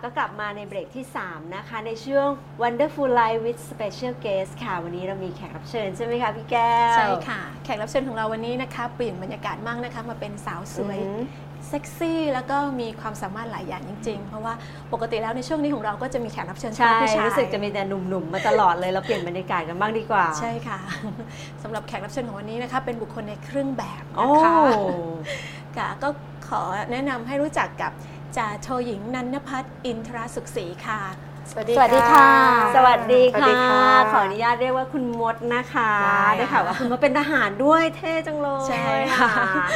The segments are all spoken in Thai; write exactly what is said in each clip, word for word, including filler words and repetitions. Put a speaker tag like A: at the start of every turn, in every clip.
A: ก็กลับมาในเบรกที่สามนะคะในช่วง Wonderful Life with Special Guest ค่ะวันนี้เรามีแขกรับเชิญใช่ไหมคะพี่แก้ว
B: ใช่ค่ะแขกรับเชิญของเราวันนี้นะคะเปลี่ยนบรรยากาศมากนะคะมาเป็นสาวสวยเซ็กซี่แล้วก็มีความสามารถหลายอย่างจริงๆเพราะว่าปกติแล้วในช่วงนี้ของเราก็จะมีแขกรับเชิญชายผู้ชาย
A: รู้สึกจะมีแต่หนุ่มๆมาตลอดเลยเราเปลี่ยนบรรยากาศกันบ้างดีกว่า
B: ใช่ค่ะสำหรับแขกรับเชิญของวันนี้นะคะเป็นบุคคลในเครื่องแบบนะคะค่ะก็ขอแนะนำให้รู้จักกับจ่าโทหญิงนันนภัทรอินทรสุขศรีค่ะ
A: สวัสดีค่ะสวัสดีค่ะขออนุญาตเรียกว่าคุณมดนะคะได้ข่าวว่าคุณมดเป็นทหารด้วยเท่จังเลย
B: ใช่ค่ะ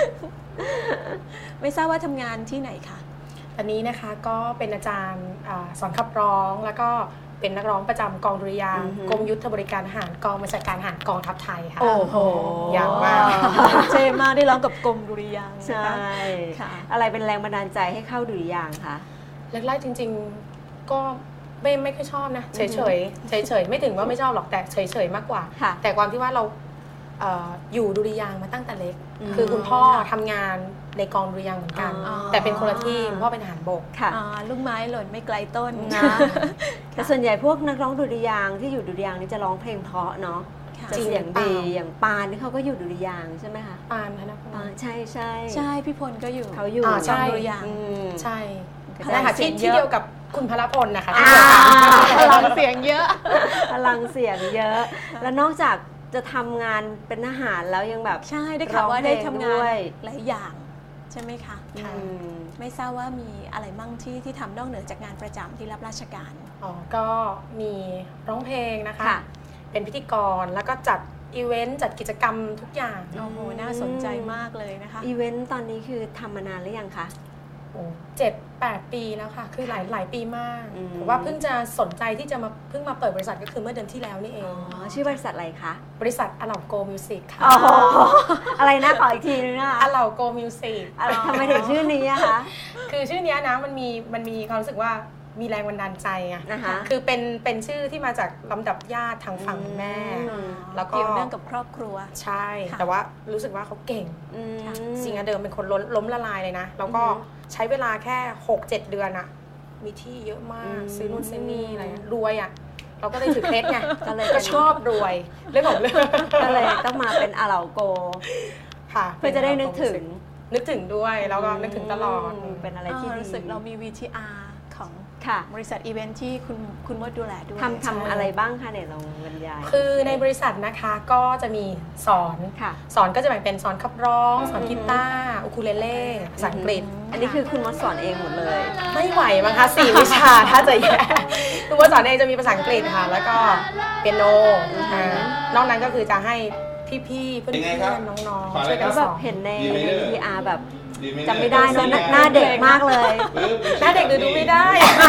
B: ไม่ทราบว่าทำงานที่ไหนคะ
C: อันนี้นะคะก็เป็นอาจารย์สอนขับร้องแล้วก็เป็นนักร้องประจำกองดุริยางค์กรมยุทธบริการทหารกองบัญชาการทหารกองทัพไทยค่ะ
A: โอ้โห
C: ยาวมาก
B: เท่มากได้ร้องกับกรมดุริยางค์
A: ใช่ค่ะอะไรเป็นแรงบันดาลใจให้เข้าดุริยางค์คะ
C: แรกๆจริงๆก็ไม่ไม่ค่อยชอบนะเฉยเฉยเฉยเฉยไม่ถึงว่าไม่ชอบหรอกแต่เฉยเฉยมากกว่าแต่ความที่ว่าเราอยู่ดุริยางค์มาตั้งแต่เล็กคือคุณพ่อทำงานในกองดุริยางค์เหมือนกันแต่เป็นคนละที่คุณพ่อเป็นทหารบก
A: ค่ะ
B: ลูกไม้หล่นไม่ไกลต้น
A: นะแต่ส่วนใหญ่พวกนักร้องดุริยางค์ที่อยู่ดุริยางค์นี่จะร้องเพลงเพราะเนาะจะเสียงดีอย่างปานนี่เขาก็อยู่ดุริยางค์ใช่ไหมคะ
C: ปานธนพล
A: ใช่ใช่
B: ใช่พี่พลก็อยู่
A: เขาอยู่
C: ใช่
B: ดุริยางค์
C: ใช่ใช่ค่ะที่ที่เดียวกับคุณพลพลนะคะ
B: พลังเสียงเยอะ
A: พลังเสียงเยอะแล้วนอกจากจะทำงานเป็นทหารแล้วยังแบบ
B: ใช่ได้ข่าวว่าได้ทำงานหลายอย่างใช่ไหมคะไม่ทราบว่ามีอะไรมั่งที่ที่ทำนอกเหนือจากงานประจำที่รับราชการ
C: อ๋อก็มีร้องเพลงนะคะเป็นพิธีกรแล้วก็จัดอีเวนต์จัดกิจกรรมทุกอย่าง
B: โอ้โหน่าสนใจมากเลยนะคะ
A: อีเวนต์ตอนนี้คือทำมานานหรือยังคะ
C: เจ็ดแปดปีแล้วค่ะคือหลายหลายปีมากแต่ว่าเพิ่งจะสนใจที่จะมาเพิ่งมาเปิดบริษัทก็คือเมื่อเดือนที่แล้วนี่เอง
A: อ๋อชื่อบริษัทอะไรคะ
C: บริษัทอลาโกมิวสิกค่ะ
A: อ๋ออะไรนะขออีกทีนึงนะคะ
C: อลาโกมิวสิก
A: ทำไมถึงชื่อนี้อะคะ
C: คือชื่อนี้นะมันมีมันมีความรู้สึกว่ามีแรงบันดาลใจไง
A: นะคะ
C: คือเป็นเป็นชื่อที่มาจากลำดับญาติทางฝั่งแม่
B: แล้วก็เกี่ยวเนื่องกับครอบครัว
C: ใช่แต่ว่ารู้สึกว่าเขาเก่งจริงๆเดิมเป็นคนล้มล้มละลายเลยนะแล้วก็ใช้เวลาแค่ หกเจ็ด เดือนอะมีที่เยอะมากซื้อนู่นซื้อนี่อะไรรวยอะเราก็เลยถือเคล็ดไงก็เลยก็ชอบรวยเรื่องของเรื่อง
A: ก็เลยต้องมาเป็นอาเหลาโก
C: ค่ะ
A: เพื่อจะได้นึกถึง
C: นึกถึงด้วยแล้วก็นึกถึงตลอด
A: เป็นอะไรที่
B: รู้สึกเรามี วี ที อาร์ ของบริษัทอีเวนท์ที่คุณคุณมดดูแลด้วย
A: ทำทำอะไรบ้างคะเนี่ยลองบรรยาย
C: คือในบริษัทนะคะก็จะมีสอนสอนก็จะแบ่งเป็นสอนขับร้องสอนกีตาร์อูคูเลเล่ภาษาอังกฤษ
A: อันนี้คือคุณมดสอนเองหมดเลย
C: ไม่ไหวมั้งคะสี่วิชาถ้าจะแย่คุณมดสอนเองจะมีภาษาอังกฤษค่ะแล้วก็เปียโนนอกนั้นก็คือจะให้พี่ๆเพื่อนๆน้องๆช่วยกันสอน
A: เห็นใน วี ที อาร์ แบบจำไม่ได้เนอะหน้าเด็กมากเลย
C: หน้าเด็กดูดูไม่ได้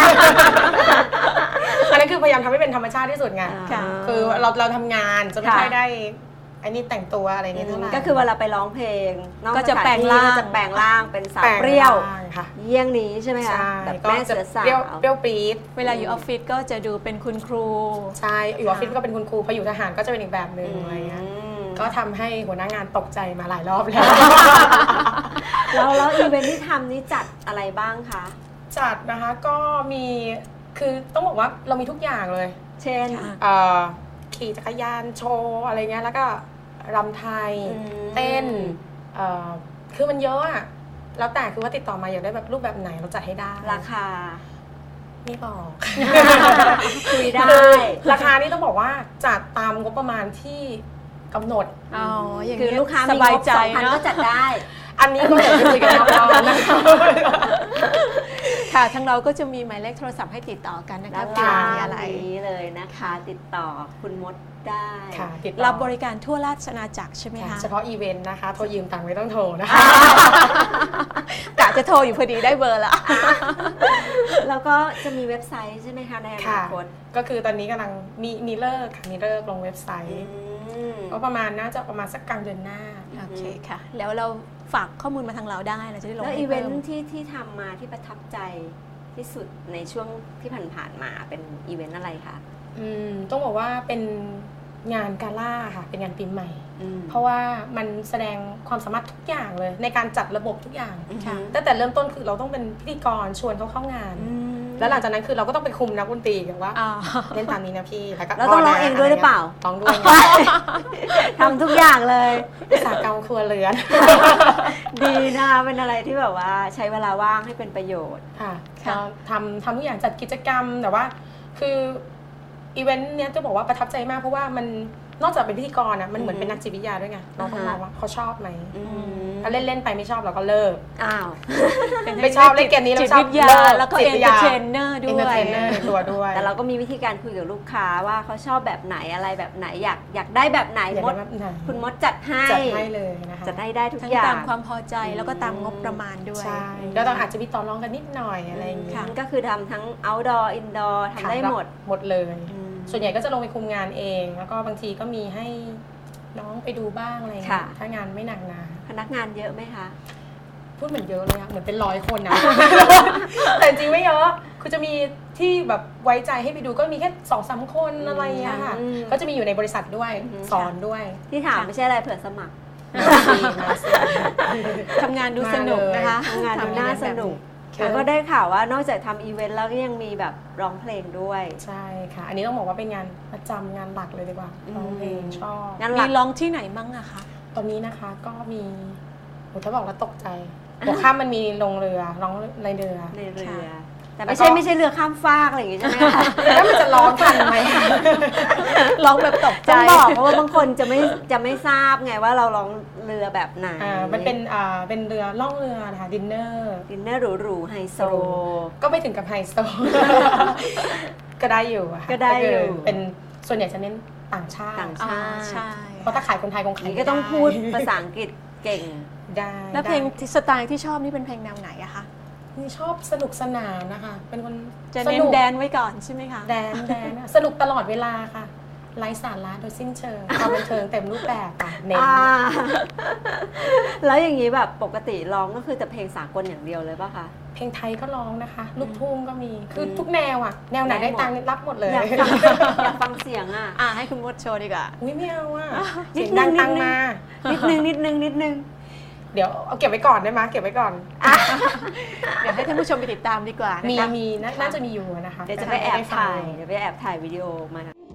C: อันนั้นคือพยายามทำให้เป็นธรรมชาติที่สุดไงคือเราเราทำงานจะไม่ค่อยได้อันนี้แต่งตัวอะไรนี้เท่าไหร่
A: ก็คือเวลาไปร้องเพลง
B: ก็จะแปลงร่าง
A: จะแปลงร่างเป็นสาวเปรี้ยวเยี่ยงนี้ใช่ไหมคะแบบแม่เสือสาว
C: เปรี้ยวปี๊ด
B: เวลาอยู่ออฟฟิศก็จะดูเป็นคุณครู
C: ใช่อยู่ออฟฟิศก็เป็นคุณครูพออยู่ทหารก็จะเป็นอีกแบบนึงอะไรเงี้ยก็ทำให้หัวหน้างานตกใจมาหลายรอบแล้ว
A: แล้วแล้วอีเวนท์ที่ทำนี้จัดอะไรบ้างคะ
C: จัดนะคะก็มีคือต้องบอกว่าเรามีทุกอย่างเลย
A: เช่น
C: ขี่จักรยานโชว์อะไรเงี้ยแล้วก็รำไทยเต้นคือมันเยอะอะแล้วแต่คือว่าติดต่อมาอยากได้แบบรูปแบบไหนเราจัดให้ได้
A: ราคา
C: ไม่บอก
A: คุยได้
C: ราคานี่ต้องบอกว่าจัดตามงบประมาณที่กำหนด
B: อ๋ออย่าง
A: นี้ลูกค้าสบายใจเนาะก็จัดได้
C: อันนี้ก็เดี๋ยวไปคุยกันเรานะคะ
B: ค่ะทั้งเราก็จะมีหมายเลขโทรศัพท์ให้ติดต่อกันนะคะ
A: ที่มีอะไรนี้เลยนะคะติดต่อคุณมดได้
B: รับบริการทั่วราชอาณาจักรใช่ไหมคะ
C: เฉพาะอีเวนต์นะคะโทรยืมตังค์ไม่ต้องโทรนะคะ
B: กะจะโทรอยู่พอดีได้เบอร์แล้ว
A: แล้วก็จะมีเว็บไซต์ใช่ไหมคะในอนาคต
C: ก็คือตอนนี้กำลังมีมีเลิกค่ะมีเลิกลงเว็บไซต์ก็ประมาณน่าจะประมาณสักกลางเดือนหน้า
B: โอเคค่ะแล้วเราฝากข้อมูลมาทางเราได้เราจะได้ลง
A: แล้วอีเวนท์ที่ที่ทำมาที่ประทับใจที่สุดในช่วงที่ผ่านๆมาเป็นอีเวนต์อะไรคะ
C: อืมต้องบอกว่าเป็นงานกาล่าค่ะเป็นงานปีใหม่เพราะว่ามันแสดงความสามารถทุกอย่างเลยในการจัดระบบทุกอย่างตั้งแต่เริ่มต้นคือเราต้องเป็นพิธีกรชวนเขาเข้างานแล้วหลังจากนั้นคือเราก็ต้องไปคุมนักดนตรีแบบว่า
B: อ่า
C: เล่นตามนี้นะพี่แล้วก็
A: แล้วต้องร้องเองด้วยหรือเปล่า
C: ร้องด้วย
A: ทำทุกอย่างเลย
C: อุตสาหกรรมครัวเรือน
A: ดีนะคะเป็นอะไรที่แบบว่าใช้เวลาว่างให้เป็นประโยชน์
C: ค่ะ
B: ค่ะ
C: ก็ทำทำทุกอย่างจัดกิจกรรมแต่ว่าคืออีเวนต์เนี้ยจะบอกว่าประทับใจมากเพราะว่ามันนอกจากเป็นพิธีกรนะมันเหมือนเป็นนักจิตวิทยาด้วยไงเราต้องมองว่าเขาชอบไหม
A: อืม
C: ถ้าเล่นเล่นๆไปไม่ชอบเราก็เลิก
A: อ้าว
C: ไม่ชอบเล่นเกมนี้เรา
B: จิต
C: ชอบ
B: วิทยา
C: เลิก
B: แล้วก็
C: จิ
B: เอ
C: ต
B: น
C: วิ
B: เต
C: ท
B: อร์
C: ยา
B: เทนเนอร์ด้
C: เอน
B: ว
C: เตอร์เทนเนอร์
B: ย
C: ในตัวด้วย
A: แต่เราก็มีวิธีการคุยกับลูกค้าว่าเขาชอบแบบไหนอะไรแบบไหนอยากอยากได้แบบไหน
C: อยาก
A: ม
C: ได้
A: ด
C: แบบไหน
A: คุณมดจัดให้
C: จัดให้เลยนะคะ
A: จัดให้ได้ทุก
B: ทั้ง
A: อย่า
B: ตาง มความพอใจแล้วก็ตามงบประมาณด้วย
C: ใช่ก็ต้องอาจจะมีต่อรองกันนิดหน่อยอะไรอย่าง
B: ค่ะ
C: เงี้ย
A: ก็คือทำทั้ง outdoor indoor ทำได้หมด
C: หมดเลย
A: อืม
C: ส่วนใหญ่ก็จะลงไปคุมงานเอง แล้วก็บางทีก็มีให้น้องไปดูบ้างอะไรอย่างเงี้ย
A: ค่ะ
C: ถ้างานไม่หนักหนา
A: พนักงานเยอะไหมคะ
C: พูดเหมือนเยอะเลยอะเหมือนเป็นร้อยคนนะ แต่จริงไม่เยอะคือจะมีที่แบบไว้ใจให้ไปดูก็มีแค่สองสามคนอะไรอย่างเงี้ยค่ะ
A: อืม
C: ก็จะมีอยู่ในบริษัทด้วย
A: อืม
C: สอนด้วย
A: ที่ถามไม่ใช่อะไรเผื่อสมัคร
C: มาสิ
B: ทำงานดูสนุกนะคะ
A: ทำงานดูน่าสนุก
C: ค่ะ
A: แล้วก็ได้ข่าวว่านอกจากทำอีเวนต์แล้วก็ยังมีแบบร้องเพลงด้วย
C: ใช่ค่ะ อันนี้ต้องบอกว่าเป็นงานประจำงานหลักเลยดีกว่าร้องเพลงชอบ
A: งานห
B: มี
A: ลัก
B: ร้องที่ไหนมั่งอะคะ
C: ตอนนี้นะคะก็มีโหถ้าบอกแล้วตกใจหัวข้ามมันมีลงเรือร้องในเรือ
A: ในเรือ
B: ค่ะ
A: แต่ไม่ใช่ไม่ใช่เรือข้ามฟากอะไรอย่างงี้ใช่ไหมคะ
C: แล้วมันจะร้องทันไหม
B: ร้องแบบตกใจ
A: ต้องบอกเพราะว่าบางคนจะไม่จะไม่ทราบไงว่าเราร้องเรือแบบไหน
C: อ่ามันเป็นอ่าเป็นเรือล่องเรือนะคะดินเนอร์
A: ดินเนอร์หรูๆไฮโซ
C: ก็ไม่ถึงกับไฮโซ ก็ได้อยู่อะค่ะ
A: ก็ได้อยู่
C: คือเป็นส่วนใหญ่จะเน้นต่างชาติ
A: ต่าง
B: อ่า
A: ใช่
B: ใช่
C: เพราะถ้าขายคนไทยคงขาย
A: นี่
C: ไม่
A: ก็ต้อง
C: ได้
A: พูดภาษาอังกฤษเก่ง
C: ได้
B: แล้วเพลง
C: ได้
B: สไตล์ที่ชอบนี่เป็นเพลงแนวไหนอะคะ
C: นี่ชอบสนุกสนานนะคะ เป็นคน
B: จะ
C: ส
B: เน้น
C: นุก
B: แดนไว้ก่อนใช่ไหมคะ
C: แดนแดนอะสนุกตลอดเวลาค่ะไร้สาระโดยสิ้นเชิงความบันเทิงเต็มรูปแบบค่ะเน้น
A: อ่า แล้วอย่างนี้แบบปกติร้องก็คือแต่เพลงสากลอย่างเดียวเลยป่ะคะ
C: เพลงไทยก็ร้องนะคะ ลูกทุ่งก็มี คือทุกแนวอะแนวไหน
A: ได้
C: ได้
A: หมด
C: ตังค์รับหมดเลย
A: อยากฟังอยากฟังเสียงอ่ะ
B: อ่าให้คุณมดโชว์ดีกว่า
C: อุ้ยไม่เอาอะ
A: นิ
C: เสี
A: ด
C: ยง
A: นึ
C: ดั
A: ง
C: ง
A: นิด
C: ตัง
A: นึง
C: มา
A: นิดนึงนิดนึงนิดนึง
C: เดี๋ยวเอาเก็บไว้ก่อนได้ไหมเก็บไว้ก่อน
B: เดี๋ยวให้ท่านผู้ชมไปติดตามดีกว่า
C: มี
B: นะคะ
C: มีน่าน่าจะมีอยู่นะคะ
A: เดี๋ยวจะไปแอบถ่าย เดี๋ยวไปแอบถ่ายวิดีโอมา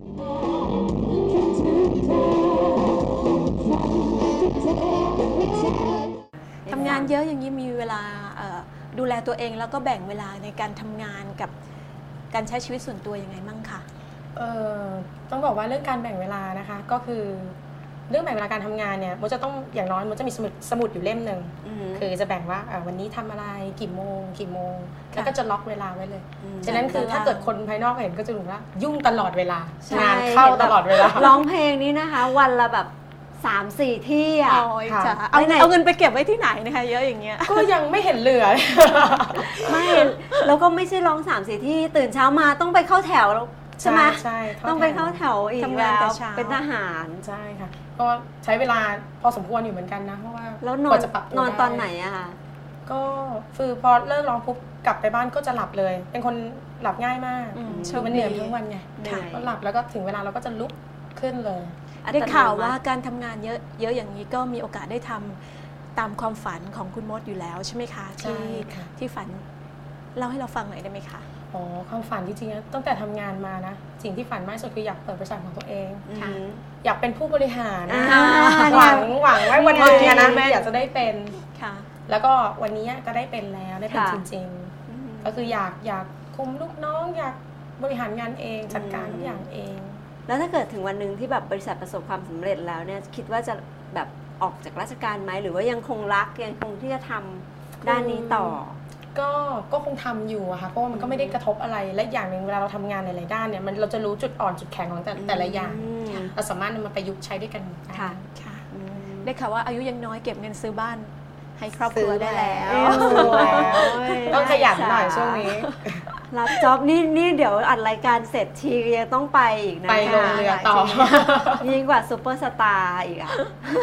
B: ทำงานเยอะอย่างนี้มีเวลาเอ่อดูแลตัวเองแล้วก็แบ่งเวลาในการทำงานกับการใช้ชีวิตส่วนตัวยังไงมั่งคะ
C: เออต้องบอกว่าเรื่องการแบ่งเวลานะคะ ก็คือเรื่องแบ่งเวลาการทำงานเนี่ยมันจะต้องอย่างน้อยมันจะมีสมุดสมุดอยู่เล่มหนึ่ง
A: อือหือ
C: คือจะแบ่งว่าเอ่อวันนี้ทำอะไรกี่โมงกี่โมง
B: ค่ะ
C: แล้วก็จะล็อกเวลาไว้เลย
A: ม
C: ฉะนั้นคือถ้าเกิดคนภายนอกเห็นก็จะรู้ว่ายุ่งตลอดเวลา
A: ใช่
C: งานเข้าตลอดเวลา
A: ร้องเพลงนี้นะคะ วันละแบบสามสี่ที่อ่ะ
B: โอ้ย
C: ค่ะ
B: จ้ะเอา
A: ไปไหน
B: เอาเงินไปเก็บไว้ที่ไหนนะคะ เยอะอย่างเงี้ย
C: ก็ยังไม่เห็นเหลือ
A: ไม่ แล้วก็ไม่ใช้ร้องสามสี่ที่ตื่นเช้ามาต้องไปเข้าแถวแล้วใช่ไหม
C: ใช่
A: ต้องไปเข้าแถวอีก
B: ทำงาน
A: แล้
B: แต่
A: ว
B: เช้า
A: เป็นทหาร
C: ใช่ค่ะก็ใช้เวลาพอสมควรอยู่เหมือนกันนะเพราะว่า
A: แล้วนอก
C: ว่าน จะปรับตัวน
A: อน
C: ด้
A: ตอนไหนอะคะ
C: ก็คือพอเลิกร้องปุ๊บกลับไปบ้านก็จะหลับเลย เป็นคนหลับง่ายมาก
B: อืม
C: คือมันเหนื่อยทั้งวันไง
A: เหนื่อย
C: ก็หลับแล้วก็ถึงเวลาเราก็จะลุกขึ้นเลย
B: ได้ข่าวว่าการทำงานเยอะเยอะอย่างนี้ก็มีโอกาสได้ทำตามความฝันของคุณมดอยู่แล้วใช่ไหมคะ
C: ใช่
B: ที่
C: ค่ะ
B: ที่ฝันเล่าให้เราฟังหน่อยได้ไหมคะ
C: อ๋อความฝันจริงๆนะตั้งแต่ทำงานมานะ สิ่งที่ฝันมากที่สุดคืออยากเปิดบริษัทของตัวเอง
B: ค่ะ
A: อืม
C: อยากเป็นผู้บริหาร
A: อ่า
C: หวังหวังไว้วันหนึงอะนะ
B: เนี่ย
C: อยากจะได้เป็น
B: ค่ะ
C: แล้วก็วันนี้ก็ได้เป็นแล้วได้เป็น
A: ค่ะ
C: จริง
A: อืม
C: ๆ ก็คืออยากอยากคุมลูกน้อง อยากบริหารงานเองจัดการ
A: อืม
C: ทุกอย่างเอง
A: แล้วถ้าเกิดถึงวันหนึ่งที่แบบบริษัทประสบความสำเร็จแล้วเนี่ยคิดว่าจะแบบออกจากราชการไหมหรือว่ายังคงรักยังคงที่จะทำด้านนี้ต่อ
C: ก็ก็คงทำอยู่อะค่ะเพราะว่ามันก็ไม่ได้กระทบอะไรและอย่างหนึ่งเวลาเราทำงานในหลายด้านเนี่ยมันเราจะรู้จุดอ่อนจุดแข็งของแต่แต่ละอย่าง
A: อืม
C: เราสามารถนำมาประยุกต์ใช้ด้วยกันได้
A: ค่ะ
B: ค่ะ
A: อืม
B: ได้ข่าวว่าอายุยังน้อยเก็บเงินซื้อบ้านให้ครอบครัวได้แล้ว
C: ซื้อแล้ว
A: โอ้ย
C: ต้องขยันหน่อยช่วงนี้
A: รับจ็อบนี่นี่เดี๋ยวอัดรายการเสร็จทียังต้องไปอีกนะ
C: ไปลงเรือต่อ
A: ยิ่งกว่าซูเปอร์สตาร์อีกอ่ะ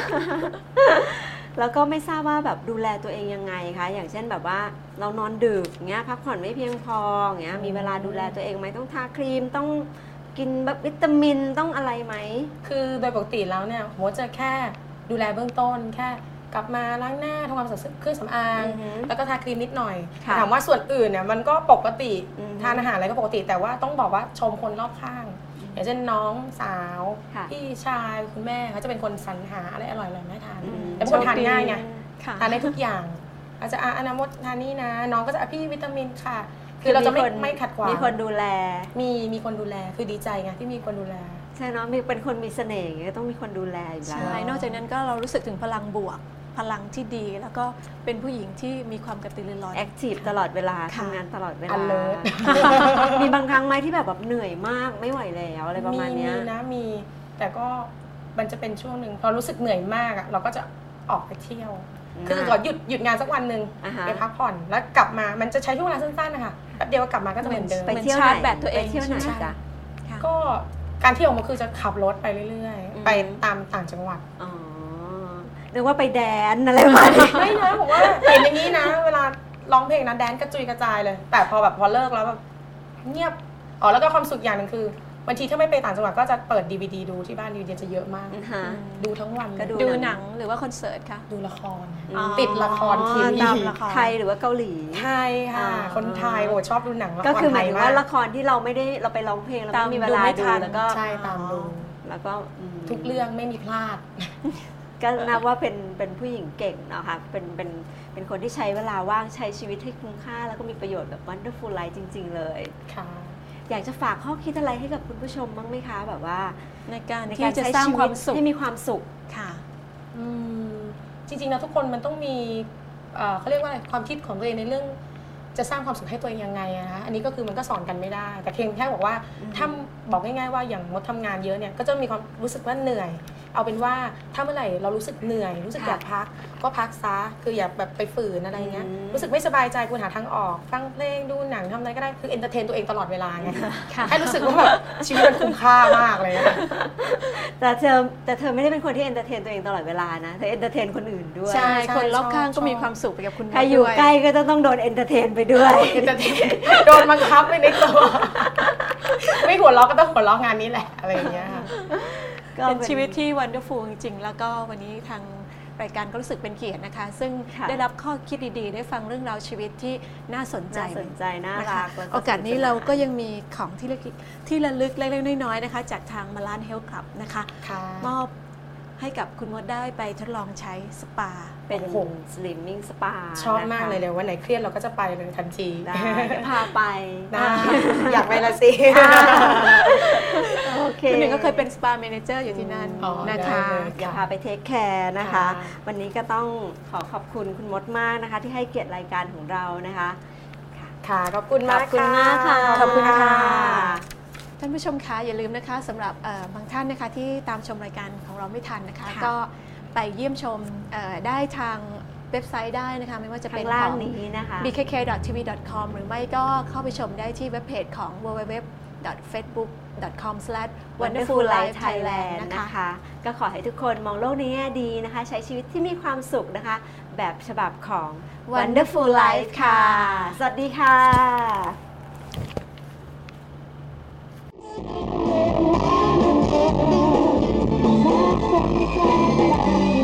A: แล้วก็ไม่ทราบว่าแบบดูแลตัวเองยังไงคะอย่างเช่นแบบว่าเรานอนดึกเงี้ยพักผ่อนไม่เพียงพอเงี้ยมีเวลาดูแลตัวเองไหมต้องทาครีมต้องกินแบบวิตามินต้องอะไรไหม
C: คือโดยปกติแล้วเนี่ยผมว่าจะแค่ดูแลเบื้องต้น แค่กลับมาล้างหน้าทำความสะอาดเครื่องสำอาง
A: อือฮึ
C: แล้วก็ทาครีมนิดหน่อย
A: ค่ะ
C: ถามว่าส่วนอื่นเนี่ยมันก็ปกติ
A: อือฮึ
C: ทานอาหารอะไรก็ปกติ แต่ว่าต้องบอกว่าชมคนรอบข้าง อย่างเช่นน้องสาว
A: ค่ะ
C: พี่ชายคุณแม่เขาจะเป็นคนสรรหาอะไรอร่อยๆมาให้ทาน
A: อืม
C: แต่เป็นคนทานง่ายไง
B: ค่ะ
C: ทานได้ทุกอย่างอาจจะอ่ะอนามดทานนี่นะ น้องก็จะอ่ะพี่วิตามินค่ะ คือเราจะไม่
A: มีคน
C: ไม่ขัดขวาง
A: มีคนดูแล
C: มีมีคนดูแลคือดีใจไงที่มีคนดูแล
A: ใช่เนาะมีเป็นคนมีเสน่ห์อย่างเงี้ยก็ต้องมีคนดูแลอยู่แล้ว
B: ใช่นอกจากนั้นก็เรารู้สึกถึงพลังบวก พลังที่ดี แล้วก็เป็นผู้หญิงที่มีความกระตือรือร้น
A: แอคทีฟตลอดเวลา
B: ค่ะ
A: ทำงานตลอดเวลา
C: alert
A: มีบางครั้งไหมที่แบบแบบเหนื่อยมากไม่ไหวแล้วอะไรประมาณเนี้ย
C: มีนะมีแต่ก็มันจะเป็นช่วงหนึ่งพอรู้สึกเหนื่อยมากอะเราก็จะออกไปเที่ยว คือขอหยุดหยุดงานสักวันหนึ่ง
A: อ่าฮะ
C: ไปพักผ่อนแล้วกลับมามันจะใช้ช่วงเวลาสั้นๆนะคะแป๊บเดียวก็กลับมาก็จะเหมือนเดิม
A: ไป
B: เหมือน
A: เที่ยว
B: ชา
A: ไห
B: ร์
A: น
B: จแบตตัวเอง
A: ไปเที่ยวไหน
B: ใช่ไหม
A: จ๊ะ
B: ค่ะ
C: ก็การเที่ยวมันคือจะขับรถไปเรื่อย
A: อืม
C: ๆ ไปตามต่างจังหวัด
A: อ๋อนึกว่าไปแดนอะไรประมาณนี้
C: ไม่นะผมว่าเห็นอย่างนี้นะ เวลาร้องเพลงนะแดนกระจุยกระจายเลย แต่พอแบบพอเลิกแล้วแบบเงียบอ๋อแล้วก็ความสุขอย่างหนึ่งคือบางทีถ้าไม่ไปต่างจังหวัดก็จะเปิด ดี วี ดี ดูที่บ้าน ดี วี ดี จะเยอะมาก
A: อือฮะ
C: ดูทั้งวันเลย
A: ก็ดู
B: ดูหนังหรือว่าคอนเสิร์ตคะ
C: ดูละคร
A: อ๋อ
C: ติดละครทีวี
B: ตามละคร
A: ไทยหรือว่าเกาหลี
C: ไทยค่ะ
A: อ่า
C: คนไทยโอ้ชอบดูหนังละคร
A: ก็คือหมายถึงว่า
C: ไท
A: ละครที่เราไม่ได้เราไปร้องเพลงเรา
B: ตาม
A: ไม่มีเวลา
B: ดูไม่
A: ดู
B: ทัน
A: แล้วก็
C: ใช่ตามดู
A: แล้วก็อืม
C: ทุกเรื่องไม่มีพลาด
A: ก็นับว่าเป็นเป็นผู้หญิงเก่งนะคะเป็นเป็นเป็นคนที่ใช้เวลาว่างใช้ชีวิตให้คุ้มค่า แล้วก็มีประโยชน์แบบ wonderful life จริง ๆ เลย
C: ค่ะ
A: อยากจะฝากข้อคิดอะไรให้กับคุณผู้ชมบ้างไหมคะ แบบว่า
B: ในการ
A: ใน
B: ที่
A: การ
B: จะ
A: ใช้
B: สร้าง
A: ชี
B: ค
A: วิ
B: วา
A: ต
B: มสุข
A: ให้มีความสุข
B: ค่ะ
C: อืมจริงๆแล้วทุกคนมันต้องมีเอ่อเขาเรียกว่าอะไรความคิดของตัวเองในเรื่องจะสร้างความสุขให้ตัวเองยังไงอะนะอันนี้ก็คือมันก็สอนกันไม่ได้ แต่เพียงแค่บอกว่า
A: อืม
C: ถ้าบอกง่ายๆว่าอย่างมดทำงานเยอะเนี่ยก็จะมีความรู้สึกว่าเหนื่อย เอาเป็นว่าถ้าเมื่อไหร่เรารู้สึกเหนื่อย รู้สึกอยากพักก็พักซะคืออย่าแบบไปฝืนอะไรเงี้ยรู้สึกไม่สบายใจควรหาทางออกฟังเพลงดูหนังทำอะไรก็ได้คือเอนเตอร์เทนตัวเองตลอดเวลาไง
B: ค่ะ
C: ให้รู้สึกว่าแบบชีวิตมันคุ้มค่ามากเลยนะ
A: แต่เธอแต่เธอไม่ได้เป็นคนที่เอนเตอร์เทนตัวเองตลอดเวลานะเธอเอนเตอร์เทนคนอื่นด้วย
C: ใช่
B: คนรอบข้างก็มีความสุขไปกับคุณ
A: ใครอยู่
B: ด้วย
A: ใกล้ก็จะต้องโดนเอนเตอร์เทนไปด้วย
C: เอนเตอร์เทนโดนบังคับไปในตัวไม่หัวเราะก็ต้องหัวเราะงานนี้แหละอะไรอย่างเงี้ยค่ะ
A: ก็
B: เป็นชีวิตที่ wonderful จริงๆ แล้วก็วันนี้ทางรายการก็รู้สึกเป็นเกียรตินะคะ ซึ่ง
A: ค่ะ
B: ได้รับข้อคิดดีๆ ได้ฟังเรื่องราวชีวิตที่น่าสนใจ
A: น่าสนใจน่า
B: นะ
A: รั
B: คะ
A: กแล้ว
B: โอกาสนี้
A: สกส
B: เราก็ยังมีของที่เล็กที่ระลึกเล็กๆน้อยๆนะคะ จากทางมาลานเฮลท์คลับนะคะ
C: ค่ะ
B: มอบให้กับคุณมดได้ไปทดลองใช้สปา
A: เป็น
C: โอ้โห
A: slimming spa
C: ชอบมาก
A: นะคะ
C: เลยเดี๋ยววันไหนเครียดเราก็จะไปเลยทันที
A: ได้พาไป
C: ได้อยากไปละสิ
A: โอเค
B: คุณหนึ่งก็เคยเป็นสปาเมเนเจอร์อยู่ที่นั่น
C: อ๋อ
B: นะคะ
C: ได้เลย
A: อยากพาไปเทคแคร์นะคะ
C: ค่ะ
A: วันนี้ก็ต้องขอขอบคุณคุณมดมากนะคะ ที่ให้เกียรติรายการของเรานะคะ
C: ค่ะขอบคุณ
A: ข
C: มา
A: อก บคุณมากค่ะ
C: ขอบคุณค่ะ
B: ท่านผู้ชมคะอย่าลืมนะคะสำหรับเอ่อบางท่านนะคะที่ตามชมรายการของเราไม่ทันนะคะ
A: ค่ะ
B: ก็ไปเยี่ยมชมเอ่อได้ทางเว็บไซต์ได้นะคะ ไม่ว่าจะเป็น
A: ข้างล่าง
B: ของ
A: นี้นะคะ
B: บี เค เค ดอท ที วี ดอท คอม หรือไม่ก็เข้าไปชมได้ที่เว็บเพจของ ดับเบิลยู ดับเบิลยู ดับเบิลยู ดอท เฟซบุ๊ก ดอท คอม สแลช วันเดอร์ฟูล ไลฟ์ ไทยแลนด์ นะคะ
A: นะคะ ก็ขอให้ทุกคนมองโลกในแง่ดีนะคะ ใช้ชีวิตที่มีความสุขนะคะ แบบฉบับของ Wonderful Life ค่ะ สวัสดีค่ะ
D: Thank you.